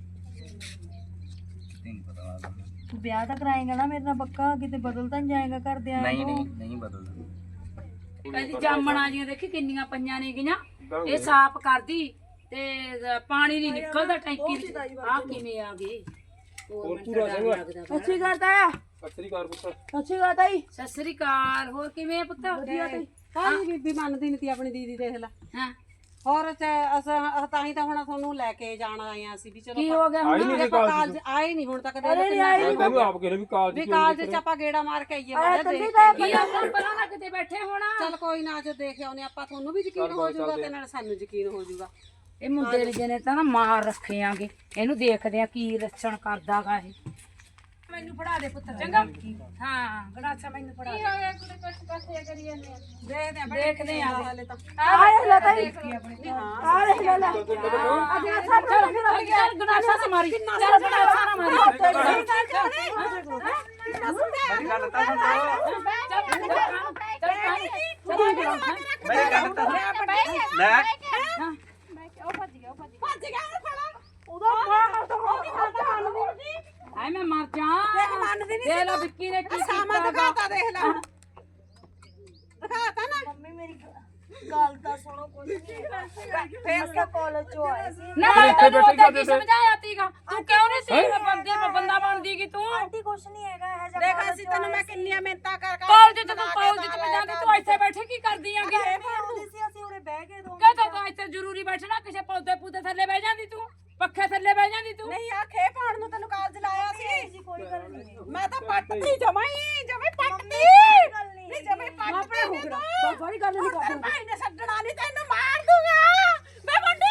A: ਕਿਤੇ ਨਹੀਂ ਪਤਾ ਲੱਗਦਾ।
D: ਤੂੰ ਵਿਆਹ ਤਾਂ ਕਰਾਏਗਾ ਨਾ ਮੇਰੇ ਨਾਲ ਪੱਕਾ? ਕਿਤੇ ਬਦਲ ਤਾਂ ਨਹੀਂ ਜਾਏਗਾ ਘਰਦਿਆਂ
A: ਨਹੀਂ
D: ਨੂੰ?
A: ਨਹੀਂ ਨਹੀਂ ਬਦਲਦਾ।
B: ਕਹਿੰਦੀ ਜਾਮਣਾ ਜੀਆਂ ਦੇਖੀ ਕਿੰਨੀਆਂ ਪਈਆਂ ਨੇ ਗੀਆਂ, ਇਹ ਸਾਫ਼ ਕਰਦੀ ਤੇ ਪਾਣੀ ਨਹੀਂ ਨਿਕਲਦਾ ਟੈਂਕੀ ਵਿੱਚ। ਆ ਕਿਵੇਂ ਆ ਗਈ? ਹੋਰ
F: ਪੂਰਾ ਸਿੰਘ
B: ਸੱਚੀ ਕਰਦਾ ਆ।
F: ਸਤਿ ਸ੍ਰੀ ਅਕਾਲ ਪੁੱਤ।
B: ਸੱਚੀ ਕਰਦਾ ਹੀ। ਸਤਿ ਸ੍ਰੀ ਅਕਾਲ। ਹੋਰ ਕਿਵੇਂ ਆ ਪੁੱਤ? ਵਧੀਆ ਤੇ
C: ਕਾਹਦੀ ਬੀਬੀ ਮੰਨਦੀ ਨਹੀਂ ਤੀ ਆਪਣੀ ਦੀਦੀ, ਦੇਖ ਲੈ।
B: ਹਾਂ
C: ਹੋਰ ਚ- ਅਸਾਂ ਤਾਂ ਹੀ ਤਾਂ ਹੁਣ ਤੁਹਾਨੂੰ ਲੈ ਕੇ ਜਾਣ ਆਏ ਆ ਅਸੀਂ ਵੀ ਚਲੋ
B: ਕੀ ਹੋ ਗਿਆ
F: ਆਈ
B: ਹੁਣ?
F: ਨਹੀਂ
C: ਆਪਾਂ
F: ਕਾਲਜ
C: ਕਾਲਜ ਆਏ ਨਹੀਂ ਹੁਣ ਤੱਕ। ਦੇ
F: ਮੈਂ ਤੈਨੂੰ ਆਪ ਕਹਿੰਦਾ ਵੀ ਕਾਲਜ
C: ਵੀ
F: ਕਿਉਂ
C: ਕਾਲਜ
F: ਨਹੀਂ
C: ਚ ਆਪਾਂ ਗੇੜਾ ਮਾਰ ਕੇ ਆਈਏ।
B: ਕੀ ਆਪਾਂ ਪਰਾਂ ਨਾ ਕਿਤੇ ਬੈਠੇ ਹੋਣਾ।
C: ਚੱਲ ਕੋਈ ਨਾ, ਜੋ ਦੇਖ ਆਉਨੇ ਆਪਾਂ, ਤੁਹਾਨੂੰ ਵੀ ਯਕੀਨ ਹੋ ਜਾਊਗਾ ਤੇ ਨਾਲ ਸਾਨੂੰ ਯਕੀਨ ਹੋ ਜਾਊਗਾ।
B: ਇਹ ਮੁੰਡੇ ਨੇ ਨੇ ਤਾਂ ਨਾ ਮਾਰ ਰੱਖੇ ਆਂਗੇ, ਇਹਨੂੰ ਦੇਖਦੇ ਆ ਕੀ ਲੱਛਣ ਕਰਦਾਗਾ ਇਹ। ਮੈਨੂੰ ਫੜਾ ਦੇ ਪੁੱਤ ਚੰਗਾ। ਹਾਂ ਗੜਾਸਾ ਮੈਨੂੰ ਫੜਾ ਦੇ।
E: ਹੋਇਆ ਕੁੜੇ ਕੁਛ ਪਾਸੇ ਕਰੀ ਜਾਂਦੇ ਆ।
C: ਦੇਖਦੇ ਆ
B: ਦੇਖਦੇ ਆ
C: ਹਾਲੇ ਤਾਂ।
B: ਆ ਲੈ ਤਾਈ ਆ ਲੈ ਲੈ ਲੈ ਚੱਲ ਗੜਾਸਾ ਸੇ ਮਾਰੀ, ਚੱਲ ਗੜਾਸਾ ਨਾ ਮਾਰੀ।
A: ਮੇਰੀ ਗੱਲ ਤਾਂ ਸੁਣ ਲਓ। ਮੇਰੀ ਗੱਲ ਤਾਂ ਸੁਣ। ਲੈ
B: ਆਏ ਮੈਂ ਮਰ ਜਾ। ਦੇਖ ਲੈ ਵਿੱਕੀ ਨੇ ਕੀ ਕੀਤਾ।
C: ਦਿਖਾਤਾ ਦੇਖ ਲੈ ਹੁਣ। ਦਿਖਾਤਾ ਨਾ।
D: ਮੰਮੀ ਮੇਰੀ ਗੱਲ ਤਾਂ ਸੁਣੋ ਕੁਝ ਨਹੀਂ ਫੇਰ ਤਾਂ ਕਾਲਜ ਚੋਂ ਆਏ ਸੀ
B: ਨਾ
F: ਫਿਰ
B: ਮੈਂ
F: ਇੱਥੇ
B: ਤੈਨੂੰ
F: ਬੈਠੇ
B: ਉਹਦਾ
F: ਕਰਦੇ
B: ਕੀ
F: ਤੇ।
B: ਸਮਝਾਇਆ ਤੀਗਾ ਤੂੰ ਕਿਉਂ ਨਹੀਂ ਸੀ ਬੰਦੇ ਬੰਦਾ ਬਣਦੀ ਕਿ ਤੂੰ
D: ਆਂਟੀ ਕੁਛ ਨਹੀਂ ਹੈਗਾ ਇਹ ਜਿਹਾ
C: ਦੇਖ
D: college
C: ਅਸੀਂ
D: ਚੋਂ
C: ਤੈਨੂੰ
D: ਆਏ
C: ਮੈਂ
D: ਸੀ।
C: ਕਿੰਨੀਆਂ ਮਿਹਨਤਾਂ ਕਰ ਕਰ
B: ਕਾਲਜ ਚ ਤੂੰ ਕਾਲਜ ਚ ਜਾਂਦੀ ਤੂੰ ਇੱਥੇ ਬੈਠੇ ਕੀ ਕਰਦੀ ਆਂਗੀ
D: ਇਹ ਵੀ ਆਉਂਦੀ ਸੀ ਅਸੀਂ ਉਰੇ ਬਹਿ ਕੇ ਦੋ
B: ਕਹਤਾ ਤੂੰ ਇੱਥੇ ਜ਼ਰੂਰੀ ਬੈਠਣਾ ਕਿਸੇ ਪੌਦੇ ਪੂਦੇ ਥੱਲੇ ਬਹਿ ਜਾਂਦੀ ਤੂੰ ਪੱਖੇ ਥੱਲੇ ਬਹਿ ਜਾਂਦੀ ਤੂੰ
C: ਨਹੀਂ ਆ ਖੇ ਪਾਉਣ ਨੂੰ ਤੈਨੂੰ ਕਾਲਜ ਲਾਇਆ ਸੀ
D: ਜੀ ਕੋਈ ਗੱਲ ਨਹੀਂ
C: ਮੈਂ ਤਾਂ ਪੱਟਦੀ ਜਮਾਈ ਜਮੇ ਪੱਟਦੀ
D: ਗੱਲ ਨਹੀਂ
C: ਨਹੀਂ ਜਮੇ ਪੱਟਦੀ
B: ਹੋ ਗਿਆ ਬੜੀ ਗੱਲ ਨਹੀਂ
C: ਤੇਰੇ ਭਾਈ ਨੇ ਛੱਡਣਾ ਨਹੀਂ ਤੈਨੂੰ ਮਾਰ ਦੂੰਗਾ ਮੈਂ ਮੁੰਡਿਆ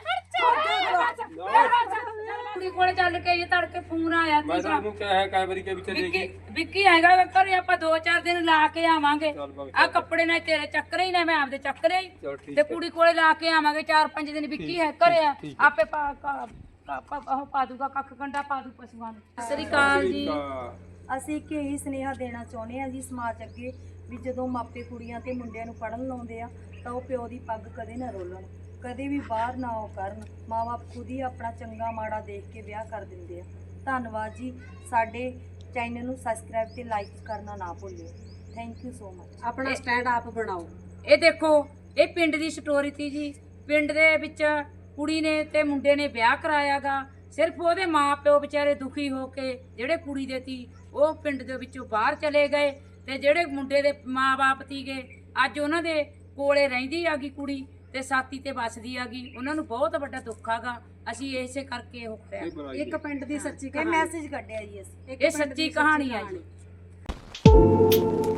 B: ਕੁੜੀ ਕੋਲੇ ਚੱਲ ਕੇ ਇਹ ਤੜਕੇ ਫੋਨ ਆਇਆ
F: ਮੈਂ
B: ਸੀ
F: ਤਾਂ ਉਹਨੂੰ ਕਿਹਾ ਹੈ ਕਈ ਵਾਰੀ ਕਿ ਵਿੱਚ
B: ਵਿੱਕੀ
F: ਦੇਗੀ
B: ਵਿੱਕੀ ਹੈਗਾ ਵਾ ਘਰੇ ਆਪਾਂ ਦੋ ਚਾਰ ਦਿਨ ਲਾ ਕੇ ਆਵਾਂਗੇ
F: ਚੱਲ ਬਗ
B: ਆ ਕੱਪੜੇ ਨਾਲ ਤੇਰੇ ਚੱਕਰੇ ਹੀ ਨੇ ਮੈਂ ਆਪਦੇ ਚੱਕਰੇ ਹੀ
F: ਚਲ ਠੀਕ
B: ਤੇ ਕੁੜੀ ਕੋਲੇ ਲਾ ਕੇ ਆਵਾਂਗੇ ਚਾਰ ਪੰਜ ਦਿਨ ਵਿੱਕੀ ਹੈ ਘਰੇ ਆ ਆਪੇ ਪਾ ਕਾ- ਕਾ- ਪਾ- ਉਹ ਪਾ ਦੂਗਾ ਕੱਖ ਕੰਡਾ ਪਾ ਦੂ ਪਸ਼ੂਆਂ ਨੂੰ ਸਤਿ ਸ੍ਰੀ ਅਕਾਲ ਜੀ
D: ਅਸੀਂ ਇੱਕ ਇਹੀ ਸੁਨੇਹਾ ਦੇਣਾ ਚਾਹੁੰਦੇ ਹਾਂ ਜੀ ਸਮਾਜ ਅੱਗੇ ਵੀ ਜਦੋਂ ਮਾਪੇ ਕੁੜੀਆਂ ਤੇ ਮੁੰਡਿਆਂ ਨੂੰ ਪੜ੍ਹਨ ਲਾਉਂਦੇ ਆ ਤਾਂ ਉਹ ਪਿਓ ਦੀ ਪੱਗ ਕਦੇ ਨਾ ਰੋਲਣ ਕਦੇ ਵੀ ਬਾਹਰ ਨਾ ਉਹ ਕਰਨ ਮਾਂ-ਬਾਪ ਖੁਦ ਹੀ ਆਪਣਾ ਚੰਗਾ ਮਾੜਾ ਦੇਖ ਕੇ ਵਿਆਹ ਕਰ ਦਿੰਦੇ ਆ ਧੰਨਵਾਦ ਜੀ ਸਾਡੇ ਚੈਨਲ ਨੂੰ ਸਬਸਕ੍ਰਾਈਬ ਤੇ ਲਾਈਕ ਕਰਨਾ ਨਾ ਭੁੱਲਿਓ ਥੈਂਕ ਯੂ ਸੋ ਮਚ
C: ਆਪਣਾ ਸਟੈਂਡ ਆਪ ਬਣਾਓ
B: ਇਹ ਦੇਖੋ ਇਹ ਪਿੰਡ ਦੀ ਸਟੋਰੀ ਤੀ ਜੀ ਪਿੰਡ ਦੇ ਵਿੱਚ ਕੁੜੀ ਨੇ ਤੇ ਮੁੰਡੇ ਨੇ ਵਿਆਹ ਕਰਾਇਆਗਾ ਸਿਰਫ ਉਹਦੇ ਮਾਪਿਓ ਵਿਚਾਰੇ ਦੁਖੀ ਹੋ ਕੇ ਜਿਹੜੇ ਕੁੜੀ ਦੇ ਤੀ ਉਹ ਪਿੰਡ ਦੇ ਵਿੱਚੋਂ ਬਾਹਰ ਚਲੇ ਗਏ ਤੇ ਜਿਹੜੇ ਮੁੰਡੇ ਦੇ ਮਾਪੇ ਤੀਗੇ ਅੱਜ ਉਹਨਾਂ ਦੇ ਕੋਲੇ ਰਹਿੰਦੀ ਆਗੀ ਕੁੜੀ ਤੇ ਸਾਥੀ ਤੇ ਵੱਸਦੀ ਆਗੀ ਉਹਨਾਂ ਨੂੰ ਬਹੁਤ ਵੱਡਾ ਦੁੱਖ ਆਗਾ ਅਸੀਂ ਇਸੇ ਕਰਕੇ ਉਹ ਕਰਿਆ
C: ਇੱਕ ਪਿੰਡ ਦੀ ਸੱਚੀ
D: ਇਹ ਮੈਸੇਜ ਕੱਢਿਆ ਜੀ ਅਸੀਂ
B: ਇਹ ਸੱਚੀ ਕਹਾਣੀ ਆ ਜੀ